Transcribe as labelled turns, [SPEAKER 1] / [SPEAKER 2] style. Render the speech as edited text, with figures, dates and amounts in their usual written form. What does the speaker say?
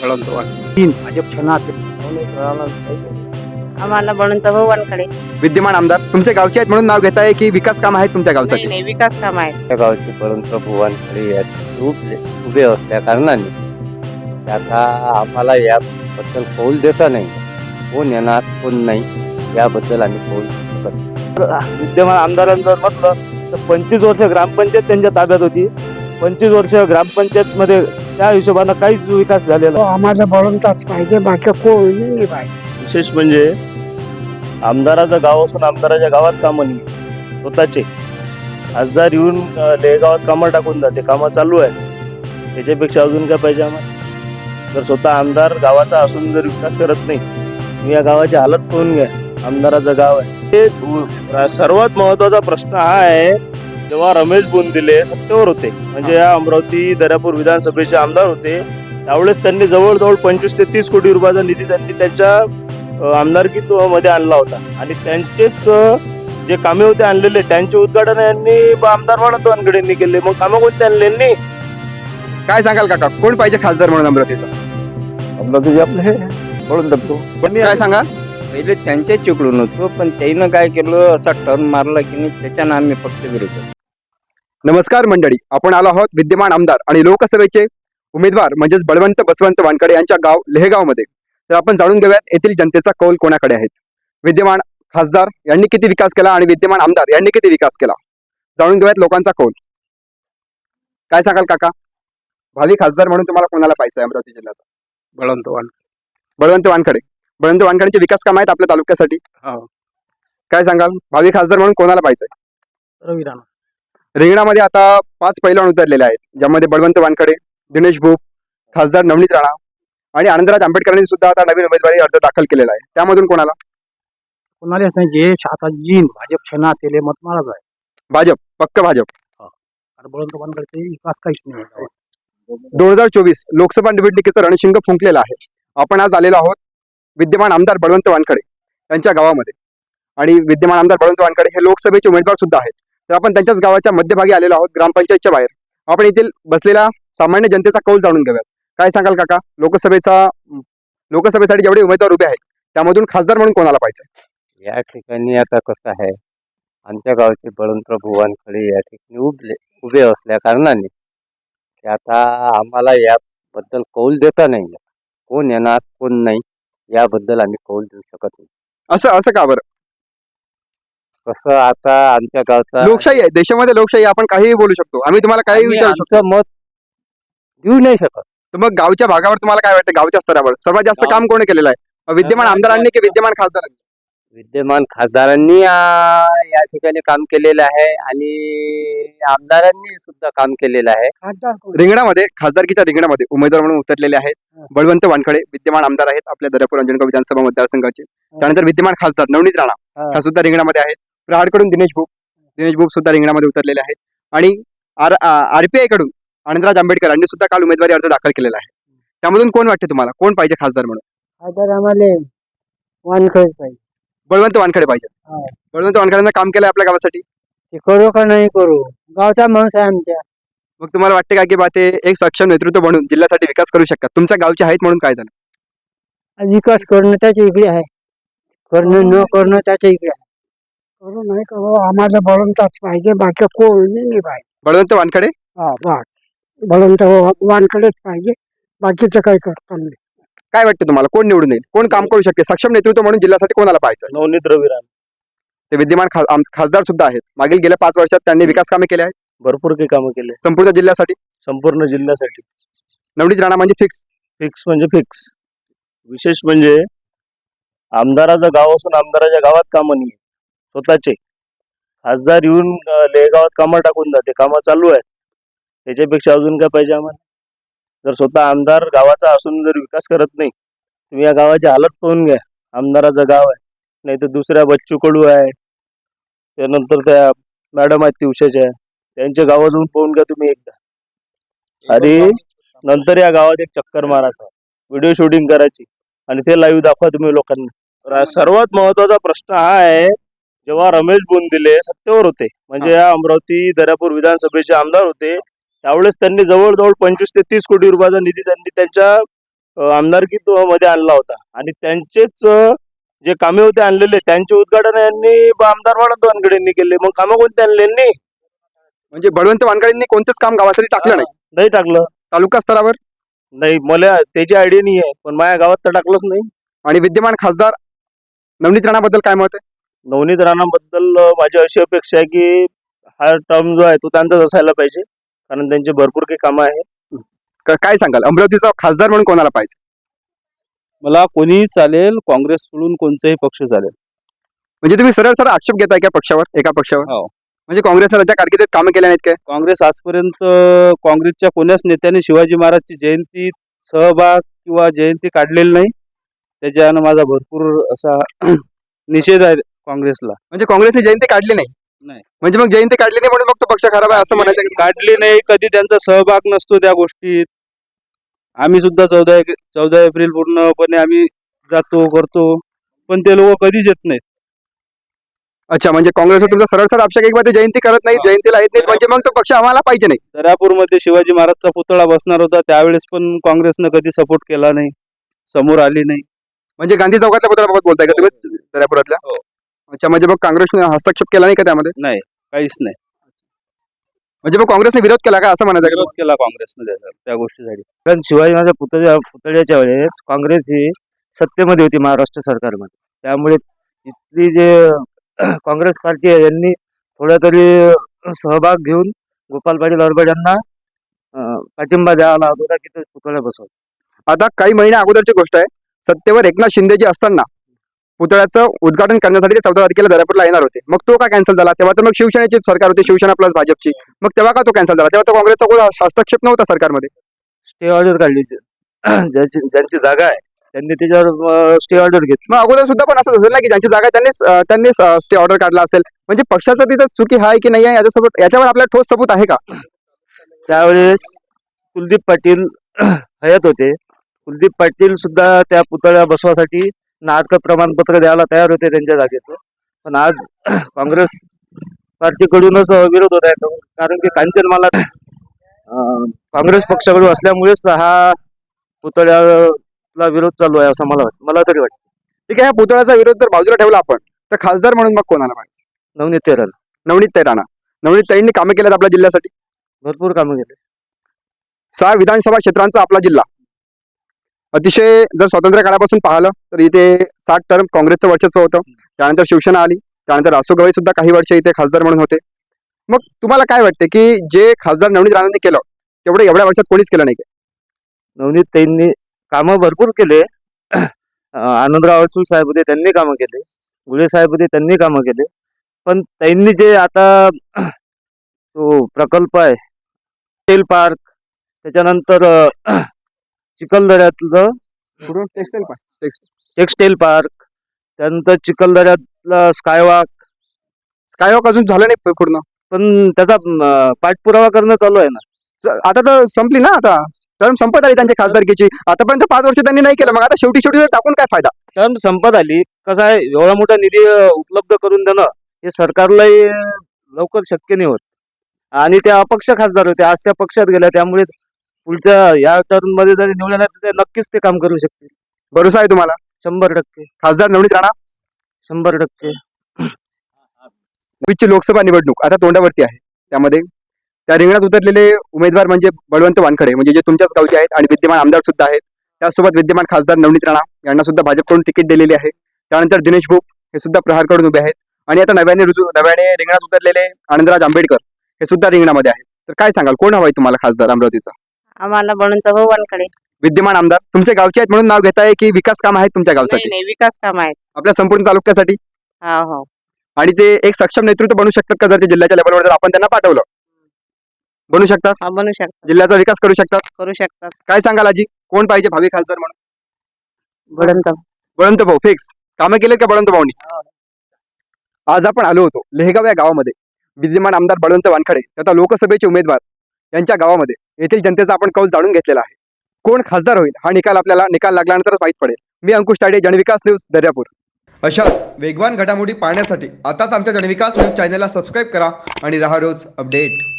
[SPEAKER 1] तीन भाजप
[SPEAKER 2] आम्हाला म्हणून तर भगवानकडे
[SPEAKER 3] विद्यमान आमदार तुमच्या गावचे आहेत म्हणून नाव घेत आहे की विकास काम आहेत तुमच्या गावसाठी?
[SPEAKER 2] नाही विकास काम आहे.
[SPEAKER 4] त्या गावचे परंतु भुवनकडे उभे असल्या कारणाने आता आम्हाला याबद्दल कौल देता नाही. कोण येणार कोण नाही याबद्दल आम्ही कौल शकत.
[SPEAKER 5] विद्यमान आमदारांचं म्हटलं तर 25 वर्ष ग्रामपंचायत त्यांच्या ताब्यात होती. 25 वर्ष ग्रामपंचायत मध्ये त्या हिशोबानं काहीच विकास झालेला
[SPEAKER 1] आम्हाला बळवंताच पाहिजे, बाकी कोणी नाही पाहिजे.
[SPEAKER 5] विशेष म्हणजे आमदाराचं गाव असून आमदाराच्या गावात कामं नाही स्वतःचे. खासदार येऊन लेगावात कामं टाकून जाते, कामं चालू आहे. त्याच्यापेक्षा अजून काय पाहिजे आम्हाला? जर स्वतः आमदार गावाचा असून जर विकास करत नाही, तुम्ही या गावाची हालत पाहून घ्या. आमदाराचं गाव आहे ते. सर्वात महत्वाचा प्रश्न हा आहे, जेव्हा रमेश बोंदिले सत्तेवर होते, म्हणजे या अमरावती दर्यापूर विधानसभेचे आमदार होते, त्यावेळेस त्यांनी जवळजवळ 25 ते 30 कोटी रुपयाचा निधी त्यांनी त्यांच्या आमदारकीमध्ये आणला होता. आणि त्यांचेच जे कामे होते आणलेले, त्यांचे उद्घाटन यांनी आमदार बळवंतवानकडे केले. मग कामं कोणते आणले यांनी?
[SPEAKER 3] काय सांगाल काका, कोण पाहिजे खासदार म्हणून अमरावतीचा?
[SPEAKER 5] अमरावती आपले हे बळवंत.
[SPEAKER 3] काय सांगाल?
[SPEAKER 4] पहिले त्यांच्याच चिकडून होतो, पण त्यानं काय केलं, असा टर्न मारला की नाही, त्याच्यानं आम्ही फक्त विरोध.
[SPEAKER 3] नमस्कार मंडळी, आपण आलो आहोत विद्यमान आमदार आणि लोकसभेचे उमेदवार म्हणजेच बळवंत बसवंत वानकडे यांच्या गाव लेहगावमध्ये. तर आपण जाणून घेऊयात येथील जनतेचा कौल कोणाकडे आहेत. विद्यमान खासदार यांनी किती विकास केला आणि विद्यमान आमदार यांनी किती विकास केला, जाणून घेऊयात लोकांचा कौल. काय सांगाल काका, भावी खासदार म्हणून तुम्हाला कोणाला पाहिजे अमरावती जिल्ह्याचा? बळवंत वानकडे. बळवंत वानकडेंचे विकास काम आहेत आपल्या तालुक्यासाठी? काय सांगाल, भावी खासदार म्हणून कोणाला पाहिजे?
[SPEAKER 1] रवी राणा.
[SPEAKER 3] रिंगणामध्ये आता 5 पैलवान उतरलेले आहेत, ज्यामध्ये बळवंत वानकडे, दिनेश भूप, खासदार नवनीत राणा आणि आनंदराज आंबेडकरांनी सुद्धा आता नवीन उमेदवारी अर्ज दाखल केलेला आहे. त्यामधून कोणाला?
[SPEAKER 1] कोणालाच नाही. जे आता जीन भाजप छना तेले मत मारायचं आहे.
[SPEAKER 3] भाजप, पक्क भाजप.
[SPEAKER 1] आणि बळवंत वानकडे विकास काहीच नाही.
[SPEAKER 3] 2024 लोकसभा निवडणुकीचं रणशिंग फुंकलेलं आहे. आपण आज आलेलो आहोत विद्यमान आमदार बळवंत वानकडे यांच्या गावामध्ये. आणि विद्यमान आमदार बळवंत वानकडे हे लोकसभेचे उमेदवार सुद्धा आहेत. तर आपण त्यांच्याच गावाच्या मध्यभागी आलेलो आहोत, ग्रामपंचायतच्या बाहेर. आपण येथील बसलेला सामान्य जनतेचा कौल जाणून घेऊयात. काय सांगाल काका, लोकसभेसाठी जेवढे उमेदवार उभे आहेत त्यामधून खासदार म्हणून कोणाला पाहिजे?
[SPEAKER 4] या ठिकाणी आता कसं आहे, आमच्या गावचे बळवंत भुवनकडे या ठिकाणी उभे असल्या कारणाने ते आता आम्हाला याबद्दल कौल देता नाही. कोण येणार कोण नाही याबद्दल आम्ही कौल देऊ शकत नाही.
[SPEAKER 3] असं का बरं?
[SPEAKER 4] कसं, आता आमच्या गावचा
[SPEAKER 3] लोकशाही आहे, देशामध्ये लोकशाही आहे, आपण काहीही बोलू शकतो. आम्ही तुम्हाला काही
[SPEAKER 4] आम्ही
[SPEAKER 3] विचारू शकतो.
[SPEAKER 4] आमचं मत देऊ नाही शकत.
[SPEAKER 3] तर मग गावच्या भागावर तुम्हाला काय वाटतं, गावच्या स्तरावर सर्वात जास्त काम कोणी केलेलं आहे, विद्यमान आमदारांनी की विद्यमान खासदारांनी?
[SPEAKER 4] विद्यमान खासदारांनी या ठिकाणी काम केलेलं आहे आणि आमदारांनी सुद्धा काम केलेलं आहे.
[SPEAKER 3] रिंगणामध्ये, खासदारकीच्या रिंगणामध्ये उमेदवार म्हणून उतरलेले आहेत बळवंत वानकडे, विद्यमान आमदार आहेत आपल्या दर्यापूर अंजनगाव विधानसभा मतदारसंघाचे. त्यानंतर विद्यमान खासदार नवनीत राणा ह्या सुद्धा रिंगणामध्ये आहेत. प्रहाडकडून दिनेश भूप सुद्धा रिंगणामध्ये उतरलेले आहेत. आणि आरपीआय कडून आनंदराज आंबेडकर यांनी सुद्धा काल उमेदवारी अर्ज दाखल केलेला आहे. त्यामधून कोण वाटते तुम्हाला, कोण पाहिजे खासदार म्हणून?
[SPEAKER 2] खासदार आम्हाला वानकडेच पाहिजे.
[SPEAKER 3] बळवंत वानकडे पाहिजे. बळवंत वानकडेंना काम केलंय आपल्या गावासाठी?
[SPEAKER 2] ते करू का नाही करू, गावचा माणूस आहे आमच्या.
[SPEAKER 3] मग तुम्हाला वाटते का की बा ते एक सक्षम नेतृत्व बनून जिल्ह्यासाठी विकास करू शकतात? तुमच्या गावचे आहेत म्हणून काय झालं?
[SPEAKER 2] विकास करणं त्याच्या इकडे आहे, करणं न करणं त्याच्या इकडे आहे.
[SPEAKER 1] करू नाही करू, आम्हाला बळवंताच पाहिजे, बाकी कोणी नाही पाहिजे.
[SPEAKER 3] बळवंत वानकडे.
[SPEAKER 1] बळवंत वानकडेच पाहिजे, बाकीचं काही करता नाही.
[SPEAKER 3] काय वाटतं तुम्हाला, कोण निवडून येईल, कोण काम करू शकते सक्षम नेतृत्व म्हणून जिल्ह्यासाठी? कोणाला पाहिजे?
[SPEAKER 5] नवनीत रवी राणा.
[SPEAKER 3] ते विद्यमान खासदार सुद्धा आहेत. मागील गेल्या 5 वर्षात त्यांनी विकास कामे केले आहेत,
[SPEAKER 5] भरपूर काही कामं केले
[SPEAKER 3] संपूर्ण जिल्ह्यासाठी. नवनीत राणा म्हणजे फिक्स
[SPEAKER 5] म्हणजे फिक्स. विशेष म्हणजे आमदाराचं गाव असून आमदाराच्या गावात कामं नाही स्वतःचे. खासदार येऊन लेगावात कामं टाकून जाते, कामं चालू आहे. त्याच्यापेक्षा अजून काय पाहिजे आम्हाला? जर स्वतः आमदार गावाचा असून जर विकास करत नाही, तुम्ही या गावाची हालत पाहून घ्या. आमदाराचं गाव आहे, नाही तर दुसऱ्या बच्चू कडू आहे, त्यानंतर त्या मॅडम आहेत तिवशाच्या, त्यांच्या गावात जाऊन पाहून घ्या तुम्ही एकदा. आणि नंतर या गावात एक चक्कर मारायचा, व्हिडिओ शूटिंग करायची आणि ते लाईव्ह दाखवा तुम्ही लोकांना. सर्वात महत्वाचा प्रश्न हा आहे, जेव्हा रमेश बोंदिले सत्तेवर होते, म्हणजे या अमरावती दर्यापूर विधानसभेचे आमदार होते, त्यावेळेस त्यांनी जवळजवळ 25 ते 30 कोटी रुपयाचा निधी त्यांनी त्यांच्या आमदारकी मध्ये आणला होता आणि त्यांचेच जे कामे होते आणलेले त्यांचे उद्घाटन यांनी आमदार बळवंत वानखडे यांनी केले. मग कामं कोणते आणले यांनी?
[SPEAKER 3] म्हणजे बळवंत वानखडेंनी कोणतेच काम गावासाठी टाकलं नाही
[SPEAKER 5] नाही टाकलं.
[SPEAKER 3] तालुका स्तरावर.
[SPEAKER 5] नाही, मला त्याची आयडिया नाही आहे, पण माझ्या गावात तर टाकलंच नाही.
[SPEAKER 3] आणि विद्यमान खासदार नवनीत राणाबद्दल काय मत आहे?
[SPEAKER 5] नवनीत राणाबद्दल माझी अशी अपेक्षा आहे की हा टर्म जो आहे तो त्यांचाच असायला पाहिजे, कारण त्यांचे भरपूर काही कामं आहे.
[SPEAKER 3] काय सांगाल, अमरावतीचा खासदार म्हणून कोणाला पाहिजे?
[SPEAKER 6] मला कोणीही चालेल, काँग्रेस सोडून कोणताही पक्ष चालेल.
[SPEAKER 3] म्हणजे तुम्ही सरळ सरळ आक्षेप घेताय का पक्षावर, एका पक्षावर?
[SPEAKER 6] हो.
[SPEAKER 3] म्हणजे काँग्रेसने त्याच्या कारकिर्दीत कामं केल्या नाहीत काय?
[SPEAKER 6] काँग्रेस आजपर्यंत काँग्रेसच्या कोण्याच नेत्याने शिवाजी महाराजची जयंती सहभाग किंवा जयंती काढलेली नाही. त्याच्यानं माझा भरपूर असा निषेध आहे काँग्रेसला.
[SPEAKER 3] म्हणजे काँग्रेसने जयंती काढली नाही?
[SPEAKER 6] नाही.
[SPEAKER 3] म्हणजे मग जयंती काढली नाही म्हणून मग तो पक्ष खराब आहे असं म्हणायचं की?
[SPEAKER 6] काढली नाही, कधी त्यांचा सहभाग नसतो त्या गोष्टीत. आम्ही सुद्धा 14 एप्रिल पूर्णपणे आम्ही जातो करतो, पण ते लोक कधीच येत नाहीत.
[SPEAKER 3] अच्छा, म्हणजे काँग्रेसवर तुमचा सरळ सरळ आक्षेप आहे की बा ते जयंती करत नाही, जयंतीला येत नाहीत, म्हणजे मग तो पक्ष आम्हाला पाहिजे नाही.
[SPEAKER 6] दर्यापूरमध्ये शिवाजी महाराजचा पुतळा बसणार होता, त्यावेळेस पण काँग्रेसनं कधी सपोर्ट केला नाही, समोर आली नाही.
[SPEAKER 3] म्हणजे गांधी चौकातल्या पुतळ्याबाबत बोलताय का तुम्ही, दर्यापुरातल्या?
[SPEAKER 6] हो.
[SPEAKER 3] अच्छा, म्हणजे मग काँग्रेसने हस्तक्षेप केला नाही का त्यामध्ये?
[SPEAKER 6] नाही, काहीच नाही.
[SPEAKER 3] म्हणजे मग काँग्रेसने विरोध केला का असं म्हणायचं का?
[SPEAKER 6] विरोध केला काँग्रेसने त्या गोष्टीसाठी.
[SPEAKER 2] कारण शिवाजी महाराज पुतळ्याच्या वेळेस काँग्रेस ही सत्तेमध्ये होती महाराष्ट्र सरकारमध्ये, त्यामुळे इथली जे काँग्रेस पार्टी आहे यांनी थोडा तरी सहभाग घेऊन गोपाल पाटील अरबड यांना पाठिंबा द्यावा होता की ते पुतळा बसवला.
[SPEAKER 3] आता काही महिन्या अगोदरची गोष्ट आहे, सत्तेवर एकनाथ शिंदे जे असताना पुतळ्याचं उद्घाटन करण्यासाठी ते 14 तारखेला दर्यापूरला येणार होते. मग तो का कॅन्सल झाला? तेव्हा तर मग शिवसेनेची सरकार होती, शिवसेना प्लस भाजपची. मग तेव्हा का तो कॅन्सल झाला? तेव्हा तो काँग्रेसचा कोण हस्तक्षेप नव्हता सरकारमध्ये.
[SPEAKER 2] स्टे ऑर्डर काढली ज्यांची जागा आहे त्यांनी त्याच्यावर स्टे ऑर्डर घेतली.
[SPEAKER 3] मग अगोदर सुद्धा पण असं असेल ना की ज्यांची जागा आहे त्यांनी स्टे ऑर्डर काढला असेल. म्हणजे पक्षाचं तिथं चुकी आहे की नाही आहे याच्यावर आपल्याला ठोस सबूत आहे का?
[SPEAKER 2] त्यावेळेस कुलदीप पाटील हयात होते. कुलदीप पाटील सुद्धा त्या पुतळ्या बसवासाठी नाटक प्रमाणपत्र द्यायला तयार होते त्यांच्या जागेचं, पण आज काँग्रेस पार्टीकडूनच विरोध होत आहे, कारण की कांचनमाला काँग्रेस पक्षाकडून असल्यामुळेच हा पुतळ्याला विरोध चालू आहे असं मला तरी वाटतं.
[SPEAKER 3] ठीक आहे, ह्या पुतळ्याचा विरोध जर बाजूला ठेवला आपण, तर खासदार म्हणून मग कोणाला पाहिजे?
[SPEAKER 2] नवनीत तेरण
[SPEAKER 3] नवनीत राणा. नवनीत ताईंनी कामं केलेत आपल्या जिल्ह्यासाठी,
[SPEAKER 2] भरपूर कामं केले.
[SPEAKER 3] 6 विधानसभा क्षेत्रांचा आपला जिल्हा अतिशय, जर स्वातंत्र्य काळापासून पाहिलं तर इथे 7 टर्म काँग्रेसचं वर्चस्व होतं. त्यानंतर शिवसेना आली, त्यानंतर रासू गवई सुद्धा काही वर्ष इथे खासदार म्हणून होते. मग तुम्हाला काय वाटते की जे खासदार नवनीत राणांनी केलं तेवढं एवढ्या वर्षात कोणीच केलं नाही का?
[SPEAKER 2] नवनीत ताईंनी कामं भरपूर केले. आनंदराव अडसूळ साहेब होते, त्यांनी कामं केले. गुळे साहेब होते, त्यांनी कामं केले. पण त्यांनी जे आता तो प्रकल्प आहे टेल पार्क, त्याच्यानंतर चिखलदऱ्यातलं टेक्सटाईल पार्क, त्यानंतर चिखलदऱ्यातला स्कायवॉक
[SPEAKER 3] अजून झालं नाही पूर्ण,
[SPEAKER 2] पण त्याचा पाठपुरावा करणं चालू आहे ना.
[SPEAKER 3] आता तर संपली ना, आता टर्म संपत आली त्यांची खासदारकीची. आतापर्यंत 5 वर्ष त्यांनी नाही केलं, मग आता शेवटी टाकून काय फायदा?
[SPEAKER 2] टर्म संपत आली. कसं आहे, एवढा मोठा निधी उपलब्ध करून देणं हे सरकारलाही लवकर शक्य नाही होत, आणि त्या अपक्ष खासदार होते, आज त्या पक्षात गेल्या, त्यामुळे पुढच्या या टर्म मध्ये जरी निवडल्या तर नक्कीच ते काम करू शकतील.
[SPEAKER 3] भरोसा आहे तुम्हाला?
[SPEAKER 2] 100%
[SPEAKER 3] खासदार नवनीत राणा.
[SPEAKER 2] 100%.
[SPEAKER 3] ची लोकसभा निवडणूक आता तोंडावरती आहे. त्यामध्ये त्या रिंगणात उतरलेले उमेदवार म्हणजे बळवंत वानखडे, म्हणजे जे तुमच्याच गावचे आहेत, आणि विद्यमान आमदार सुद्धा आहेत. त्यासोबत विद्यमान खासदार नवनीत राणा यांना सुद्धा भाजपकडून तिकीट दिलेली आहे. त्यानंतर दिनेश भोप हे सुद्धा प्रहारकडून उभे आहेत, आणि आता नव्याने रिंगणात उतरलेले आनंदराज आंबेडकर हे सुद्धा रिंगणामध्ये आहेत. तर काय सांगाल, कोण हवाय तुम्हाला खासदार अमरावतीचा?
[SPEAKER 7] आम्हाला बळवंत वानखडे.
[SPEAKER 3] विद्यमान आमदार तुमच्या गावचे आहेत म्हणून नाव घेताय की विकास काम आहेत तुमच्या गावसाठी?
[SPEAKER 7] नाही, विकास काम आहेत
[SPEAKER 3] आपल्या संपूर्ण तालुक्यासाठी.
[SPEAKER 7] हो.
[SPEAKER 3] आणि ते एक सक्षम नेतृत्व बनू शकतात का? जर ते जिल्ह्याच्या लेवलवर जर आपण त्यांना पाठवलं, बनू शकतात?
[SPEAKER 7] बनू शकतात,
[SPEAKER 3] जिल्ह्याचा विकास करू शकतात. काय सांगाल आजी, कोण पाहिजे भावी खासदार म्हणून? बळवंत भाऊ फिक्स. कामं केलेत का बळवंत भाऊनी? आज आपण आलो होतो लेहगाव या गावामध्ये. विद्यमान आमदार बळवंत वानखडे तथा लोकसभेचे उमेदवार यांच्या गावामध्ये येथील जनतेचा आपण कौल जाणून घेतलेला आहे. कोण खासदार होईल हा निकाल लागल्यानंतरच माहीत पडेल. मी अंकुश ताडे, जनविकास न्यूज, दर्यापूर. अशाच वेगवान घडामोडी पाहण्यासाठी आताच आमच्या जनविकास न्यूज चॅनलला सबस्क्राईब करा आणि राहा रोज अपडेट.